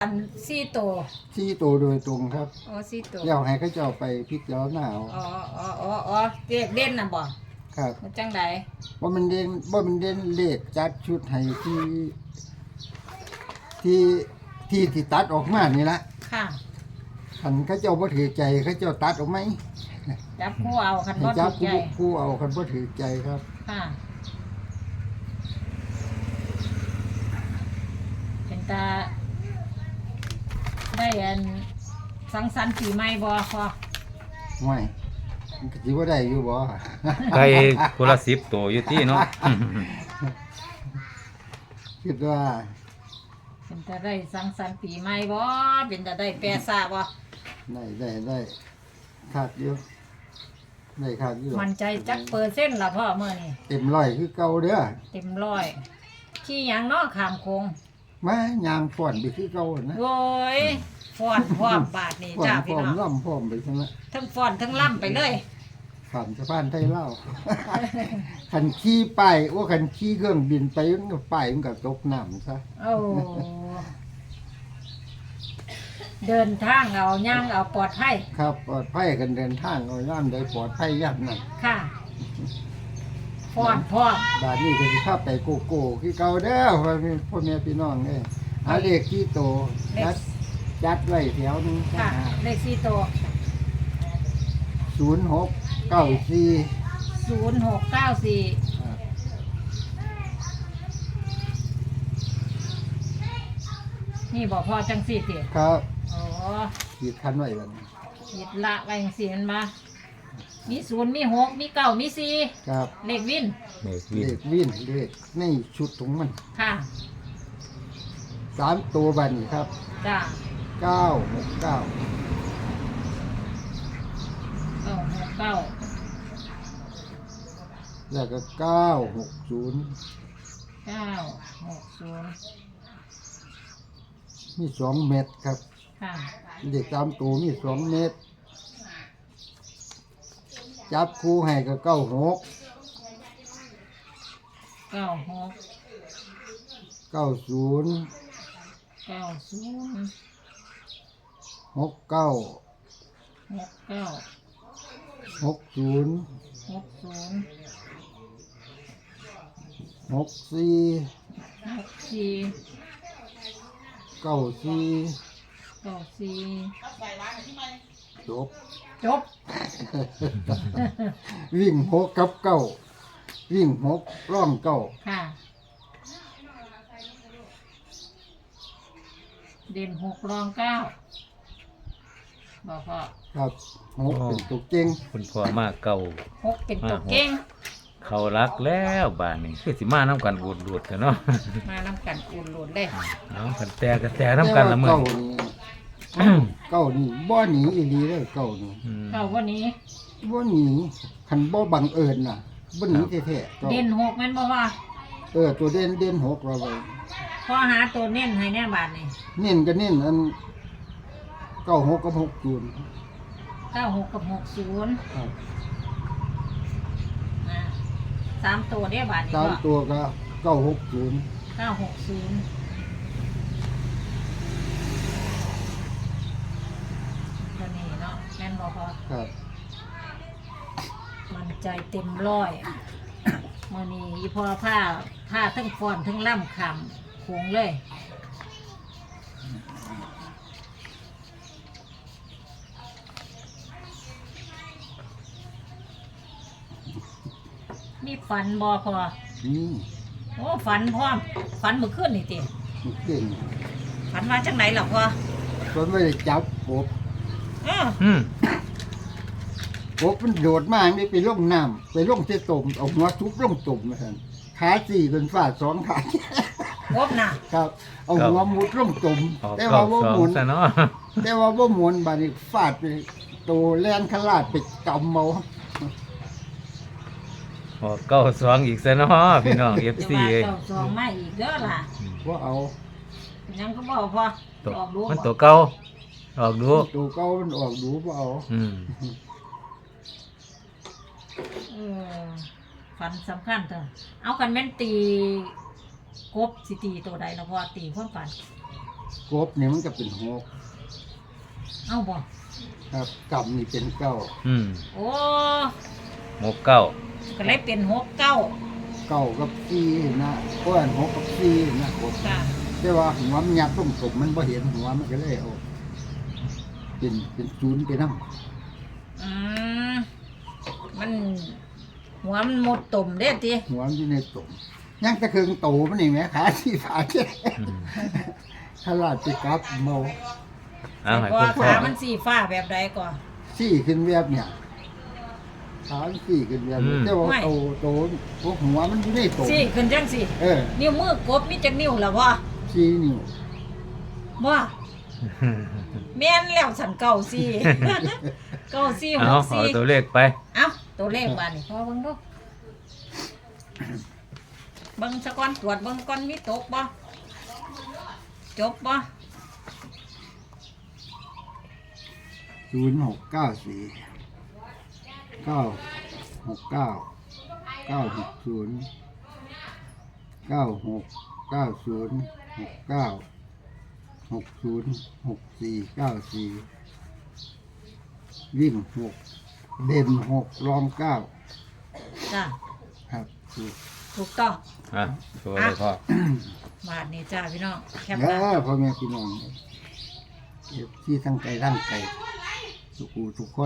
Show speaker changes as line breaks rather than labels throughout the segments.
อัน4 ตัว
4 ตัวโดยตรงครับ
อ๋อ4 ตัว
แล้วให้เขาเจ้าไปพิจารณาเอา
อ๋อเลขเด่นน่ะบ่
ครับ
มันจังได๋
ว่ามันเด่นเลขจัดชุดให้ที่ตัดออกมานี่ละ
ค่ะ
คันเขาเจ้าบ่ถือใจเขาเจ้าตัดออกไหม
จับคู่เอาคัน
ให้
บ่
จั
ถู
บ
กใจ
คู่เอาคันบ่ถือใจครับ
ค่ะเป็นตาได้อันสังสรรค์ปีใหม่บ่พอ
ไม่มันก็สิบ่ได้อยู่บ่
ไก่คนละ10 ตัวอยู่ที่เนาะ
คิดว่า
เป็นตาได้สังสรรค์ปีใหม่บ่เป็นตาได้แปรซาบ่
ได้ขาดอยู่ได้ขาดอยู่
มั่นใจจักเปอร์เซ็นต์ล่ะพ่อมื้อนี้
เต็มร้อยคือเก่าเด้อ
เต็มร้อยขี้หยังเนาะข้ามโคง
มายางฟ้อนไปคือเก่านะ
โอ้ยฟ้อนพร้อมบาดนี่
ฟ้อน
จ้า
พ
พี่
ร้อม
น้อง
ล่ำพร้อมไปซั่นละ
ทั้งฟ้อนทั้งล่ำไปเลย
ข้ามสะพานไทยลาว คันขี่ป้ายว่าคันขี่เครื่องบินไปมันก็ป้ายมันก็ตกน้ำซะ
โอ้เดินทางเอาย่างเอาปลอดภัย
ครับปลอดภัยกันเดินทางเอาย่ามใดปลอดภัยย่ามนั้น
ค่ะฟ้อนพร้อม
บาดนี้ก็สิพาไปโกโก้คือเก่าเด้อพ่อแม่พี่น้องเด้อเอาเลขที่โตจัดไว้แถวหนึง
ค่ะเลข4 ตัว
0694
0694
ครับ
นี่บอกพ่อจังสี่ติ
ครับ
อ๋อ
ขีดคันไว้บัดนี้
คิดละไว้จังสี่มันมามี0มี6มี9มี4
ครับ
เลขวิน
เด็ก
เล
วิ่ง
ขวินเลขในชุดของมัน
ค่ะ
3 ตัวบัดนี้ครับ
จ้า
969
969
แล้วก็960
960
มี2 เม็ดครับ
ค่ะ
เด็ก3 ตัวมี2 เม็ดจับคู่ให้ก็96
96
90
90
69
69
60
60
64
64
94
94
จบ
จบ
วิ่ง6กับ9วิ่ง6ร่อง9
ค่ะ เด่น6รอง9บอกพ่อ
ครับ6เป็นตัวเก่ง
คุณพ่อมาเก่า
6เป็นตัวเก่ง
เขารักแล้วบ้านนี้คือสิมาน้ำกันบูดๆกันเนาะ
มาน้ำกันอุ่นหลุดเลย
เอากันแต่กันแต่น้ำกันละมื้อ
เก้านี่บ่หนีอีหลีเด้อเก้านี่
เก้าวันนี้
บ่หนีคันบ่บังเอิญน่ะบ่หนีแท้ๆเก้า
เด่น6แม่นบ่ว่า
ตัวเด่น6เราไว้
พอหาตัวเน้นให้แน่บาทนี่
เน้นก็เน้นอัน96กับ60
96กับ60
ครับ
อ่า3ตัวเด้บาทนี่
ตาม
ก็
ตัวก็960
960ตัวนี้เนาะแม่นบ่พอ
ครับ
มันใจเต็มร้อยมื้อนี้อีพอผ้าทั้งฟ้อนทั้งล่ำคำโขงเลย มีฝันบ่พอ
นี่
โอ้ฝันพร้อมฝันเมื่อคืนนี่ติ
มันเก่ง
ฝันว่าจังไหนล่ะพอ
จนไม่ได้จับกบ
อ้อ
กบมันโดดมาไม่ไปลงน้ำไปลงเสตมเอาหัวทุบลงตุ่มมาท่นขาสี่เป็นฝาด2 ขา
งบน่ะ
ครับ เอาหัวมุดลงตุ่ม
ออก
แต่
เก้า
ว่าบ่
สอ
ห
ง
มุน
ซะเนาะ
แต่ว่าบ่หมุนบาดนี้ฟาดไปโตแล่นขลาดไปกำเมา
ออกเก้าสองอีกซะเนาะพี่น้อง
จะ
FC
ว่า
เอ้ย
เจ้าสองมาอีกเด้อล่ะ
ว่าเอา
ยังก็บอกพอ
ตัว
ออกดู
มัน
บ่
ตัวเก่าออกดู
ตัวเก่ามันออกดูบ่เอา
เออฝันสำคัญเถอะเอากันแม่นตีกบสิตีตัวใดล่ะพอตีความฝัน
กกบนี่มันก็เป็นหก
เอาบ่
ครับกำนี่เป็นเก้า
โอ้
หมกเก้า
ก็เลยเป็น6 9
เก้ากับสี่นะเพราะว่าหกกับสี่นะกบ
ค่ะ
แต่ว่าหัวมันยับต้มกบมันบ่เห็นหัวมันก็เลยเอาเป็นศูนย์ไปนั่ง
อืมมันหัวมันหมดตุ่มเด้ติ
หัวมันอยู่ในตุ่มยังตะเคืองโตมันนี่แหมขาสี่ขาแค่ขลาดไปกลับเมา
เอาให้
เพราะ
คุ
ว่า
ณพ่อ
ขามันสีฟ้าแบบใดก่อน
สี่ขึ้นเวียบเนี่ยขาสี่ขึ้นเวียบแต่ว่าโตพวกหัวมันอยู่ในตุ่ม
สิขึ้นจังสิ
เออ
นิ้วมือกบมีจักนิ้วล่ะบ่
สี่นิ้ว
บ่แม่นแล้วสันเก่าสิ เก่าสิ
เอา
6
เอาตัว
4
เลขไป
เอ้าตัวเลขบาดนี่พอเบิ่งดูเบิ่งซะก่อนตรวจเบิ่งก่อนมีตกบ่จบบ่
0694 969 960 96 90 69 60 64 94วิ่ง6เด่น6รอง9
จ้ะ
ครับถูก
ถูกต้อง
อ่ะตัวเลยพ่อบ
าดนี้จ้าพี่น้องแคป
เด้
หน้า
อพ่อแม่พี่น้องที่ทั้งใจทั้งใจทุกผู้ทุกคน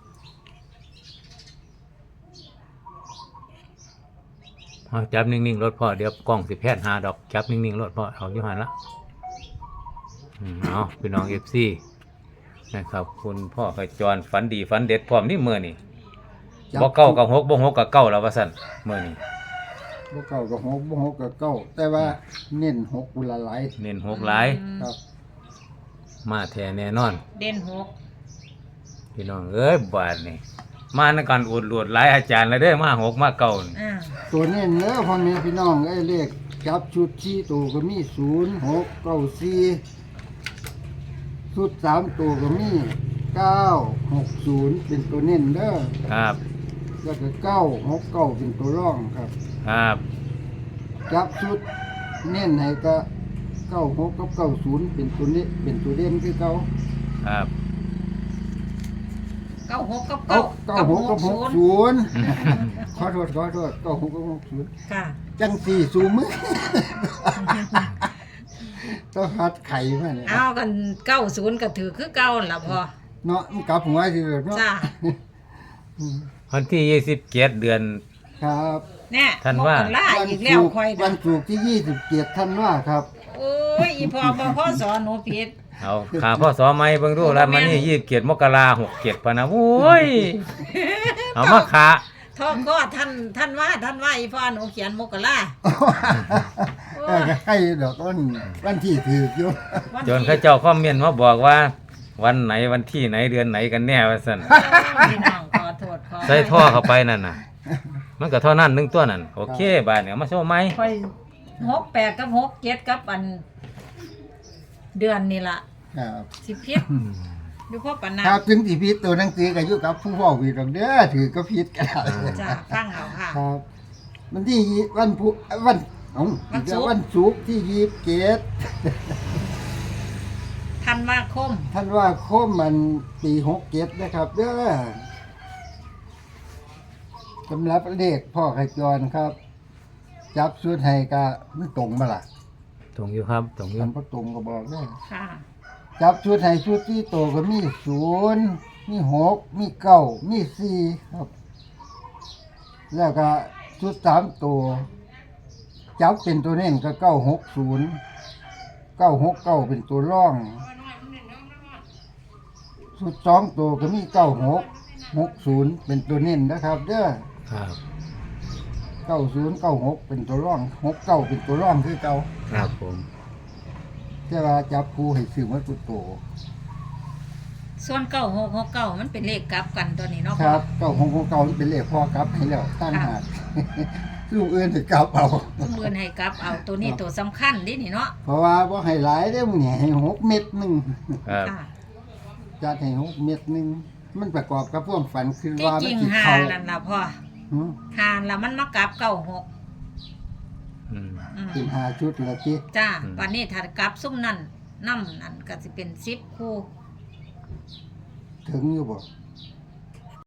เอาจับนิ่งๆรถพ่อเดี๋ยวกล้องสิแพทย์หาดอกจับนิ่งๆรถพ่อเอาอยู่หันละเอาพี่น้อง FC นะครับคุณพ่อขจรฝันดีฝันเด็ดพร้อมนี่มื้อนี่บ่เก้ากับหกบ่หกกับเก้าแล้วว่าซั่นมื้อนี้
บ่เก่ากับหกบ่หกกับเก้าแต่ว่าเน้นหกอุละหลาย
เน้นหกหลาย
ครับ
มาแท้แน่นอน
เด่น6
พี่น้องเอ้ยบาดนี่มาในการอวดรวดหลายอาจารย์แล้วเด้อมาหกมาเก้านี่
อ่า
ตัวเน้นเด้อพ่อแม่พี่น้องไอ้เลขจับชุดชี้ตัวก็มี0 6 9 4ชุด3ตัวก็มี9 6 0เป็นตัวเน้นเด้อ
ครับ
แล้วก็9 6 9เป็นตัวร่องครับ
ครับ
จับชุดเน้นให้ก็9 6กับ90เป็นตัวนี้เป็นตัวเด่นคือเก่า
ครับ
96กับ
เก้า
9
เก้าหกกับ60ขอโทษ96กับ60
ค่ะ
จังสี่สูมือ ต้องหัดไข่มาเนี่ย
เอากัน90ก็ถือคือเก่าล่ะพ่อ
เนาะมันกลับหัวสิเนาะ
จ้า
วันที่27เดือน
ครับ
แน่
ท่านว่า
มกราอีกแล้วค่อย
วั
นะ
นศุกร์ที่27ธันวาครับ
โอ้ยอีพ่อบ่พ่อสอนหนูผิด
เอาขาพ่อสอไม้เบิ่งดูแล้วมันนี่27มกรา67พะนะโอ้ยเอามาขา
ท่อก็ท่านว่าอีพ่อหนูเขียนมกรา
เออให้ดอกวันที่ถืออยู่
วัน
จน
ที่
เขาเจ้าคอมเมนต์มาบอกว่า วันไหนวันที่ไหนเดือนไหนกันแน่ว่าซั่น
พี่น้องขอโทษขอ
ใส่ท่อเข้าไปนั่นน่ะ มันก็เท่านั้นหนึงตัวนั่นโอเคบาดเนี่ยเอามาโชว์ไหม
ค่อย68กับ67กับอัน เดือนนี่ล่ะ
ครับ
สิผิดอยู่พ่อปานนั้น
ครับถึงที่พิษตัวหนังสือก็อยู่กับผู้พ่อวิดอกเด้อถือก็พิษกัน
จ้าฟังเอาค่ะ
ครับวันที่วันพุวันเอ้า
วันศุกร์
วันศุกร์ที่27
ธันวาคม
ท่านว่าคมมันปี67นะครับเด้อสำหรับเลขพ่อขจรครับ จับสุดให้ก็มันตรงมาล่ะ
ตรงอยู่ครับตรงอยู่
มันบ่ตรงก็บอกได้อ
ค่ะ
จับชุดให้ชุดที่โตก็มี0มี6มี9มี4ครับ แล้วก็ชุด3ตัวจับเป็นตัวเน้นก็960 969เป็นตัวร่อง ชุด2ตัวก็มี96 60เป็นตัวเน้นนะครับเด้อ
ครับ
90 96เป็นตัวร่อง69เป็นตัวร่องคือเก่า
ครับผม
แต่ว่าจับคู่ให้ซื้อมาตัวโต
ส่วน9669มันเป็นเลขกลับกันตัวนี้เนาะ
ครับ969มันเป็นเลขพ่อกลับให้แล้วตั้งหาก ลูกอื่นสิกลับเอา
สมมือนให้กลับเอาตัวนี้ตัวสำคัญดินี่เนาะ
เพราะว่าบ่ให้หลายเด้อมึงนี่ให้6เม็ดหนึง
ครับ
ค่ะ
จัดให้6เม็ดหนึงมันประกอบกับความฝันคือ
ที่
ว่า
จ
มั
ริ
น
ง
สิ
หา
เข้า
นั่นล่ะพ่อ
หือ
หาแล้วมันมากลับ96
อืม
อืม
เป็น5ชุดแล้วติ
จ้าวันนี้ถ้ากลับซุ่มนั่นน้ำนั่นก็สิเป็น10คู่
ถึงอยู่บ่